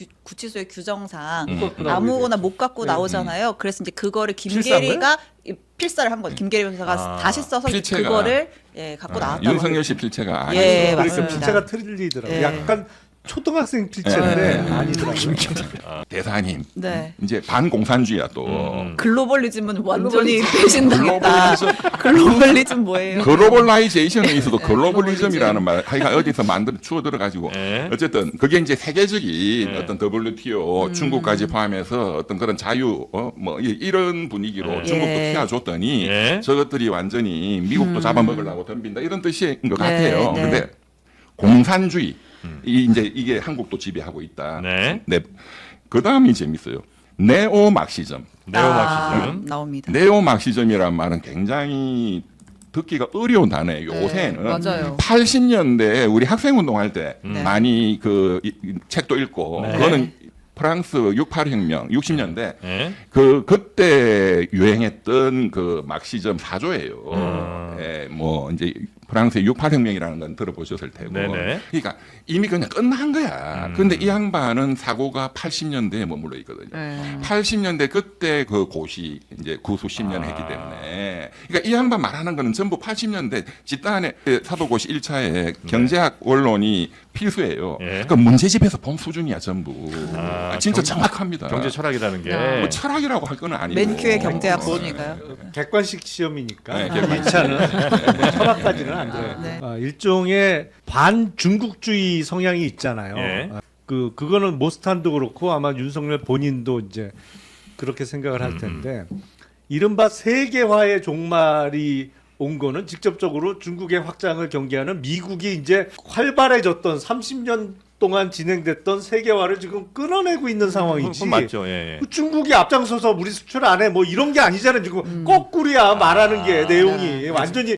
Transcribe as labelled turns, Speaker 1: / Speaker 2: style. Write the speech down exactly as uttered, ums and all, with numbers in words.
Speaker 1: 구치소의 규정상
Speaker 2: 음.
Speaker 1: 아무거나 못 갖고
Speaker 2: 네.
Speaker 1: 나오잖아요. 그래서 이제 그거를
Speaker 2: 필사한
Speaker 1: 김계리가 이- 필사를 한 거죠. 김계리 변호사가
Speaker 2: 아,
Speaker 1: 다시 써서
Speaker 3: 필체가-
Speaker 1: 그거를 예, 갖고
Speaker 3: 아,
Speaker 1: 나왔다고.
Speaker 3: 윤석열 씨 필체가 아니죠.
Speaker 1: 예,
Speaker 2: 그러니까
Speaker 1: 맞습니다.
Speaker 2: 필체가 틀리더라고요.
Speaker 1: 예.
Speaker 2: 약간 초등학생 필체인데
Speaker 3: 예.
Speaker 2: 아니더라고요.
Speaker 3: 대사님
Speaker 1: 네.
Speaker 3: 이제 반공산주의야 또.
Speaker 2: 음.
Speaker 1: 글로벌리즘은 완전히 배신당했다. 글로벌리즘 뭐예요?
Speaker 3: 글로벌라이제이션에 있어도 글로벌리즘이라는 말, 하여간 어디서 만들어 추어 들어가지고
Speaker 2: 네.
Speaker 3: 어쨌든 그게 이제 세계적인
Speaker 2: 네.
Speaker 3: 어떤 더블유티오
Speaker 1: 음.
Speaker 3: 중국까지 포함해서 어떤 그런 자유 어, 뭐 이- 이런 분위기로
Speaker 2: 네.
Speaker 3: 중국도
Speaker 1: 예.
Speaker 3: 피워줬더니
Speaker 2: 네.
Speaker 3: 저것들이 완전히 미국도
Speaker 1: 음.
Speaker 3: 잡아먹으려고 덤빈다 이런 뜻인 것
Speaker 1: 네,
Speaker 3: 같아요.
Speaker 1: 네.
Speaker 3: 근데 공산주의 이 이제 이게 한국도 지배하고 있다.
Speaker 2: 네.
Speaker 3: 네. 그 다음이 재밌어요. 네오 막시즘.
Speaker 2: 네오마키즘.
Speaker 1: 아, 나옵니다.
Speaker 3: 네오 막시즘이란 말은 굉장히 듣기가 어려운 단어예요.
Speaker 1: 네,
Speaker 3: 요새는
Speaker 1: 맞아요.
Speaker 3: 팔십 년대에 우리 학생 운동할 때
Speaker 1: 네.
Speaker 3: 많이 그 이- 이 책도 읽고
Speaker 2: 네.
Speaker 3: 그거는 프랑스 육팔 혁명 육십 년대
Speaker 2: 네.
Speaker 3: 그 그때 유행했던 그 막시즘 사조예요.
Speaker 2: 음.
Speaker 3: 예, 뭐 이제 프랑스의 육팔 혁명이라는 건 들어보셨을 테고.
Speaker 2: 네네.
Speaker 3: 그러니까 이미 그냥 끝난 거야.
Speaker 2: 음.
Speaker 3: 근데 이 양반은 사고가 팔십 년대에 머물러 있거든요.
Speaker 1: 네.
Speaker 3: 팔십 년대 그때 그 고시 이제 구수 십 년
Speaker 2: 아.
Speaker 3: 했기 때문에 그러니까 이 양반 말하는 거는 전부 팔십 년대 집단의 사도고시 일 차에 경제학 원론이 필수예요.
Speaker 2: 예.
Speaker 3: 그러니까 문제집에서 본 수준이야 전부.
Speaker 2: 아,
Speaker 3: 진짜
Speaker 2: 경-
Speaker 3: 정확합니다.
Speaker 2: 경제 철학이라는 게.
Speaker 1: 아.
Speaker 3: 뭐 철학이라고 할 건 아니고.
Speaker 1: 맨큐의 경제학
Speaker 3: 어,
Speaker 1: 수준이니까요.
Speaker 2: 객관식 시험이니까
Speaker 3: 네,
Speaker 2: 이
Speaker 3: 객관식.
Speaker 2: 차는 철학까지는 안 돼요.
Speaker 1: 네.
Speaker 2: 아, 일종의 반중국주의 성향이 있잖아요.
Speaker 4: 예.
Speaker 2: 아, 그 그거는 모스탄도 그렇고 아마 윤석열 본인도 이제 그렇게 생각을 할 텐데 이른바 세계화의 종말이 온 거는 직접적으로 중국의 확장을 경계하는 미국이 이제 활발해졌던 삼십 년 동안 진행됐던 세계화를 지금 끊어내고 있는 상황이지.
Speaker 4: 그건 맞죠. 예, 예.
Speaker 2: 그 중국이 앞장서서 우리 수출 안 해 뭐 이런 게 아니잖아요. 지금 거꾸로야 말하는 게
Speaker 1: 아,
Speaker 2: 내용이
Speaker 1: 네.
Speaker 2: 완전히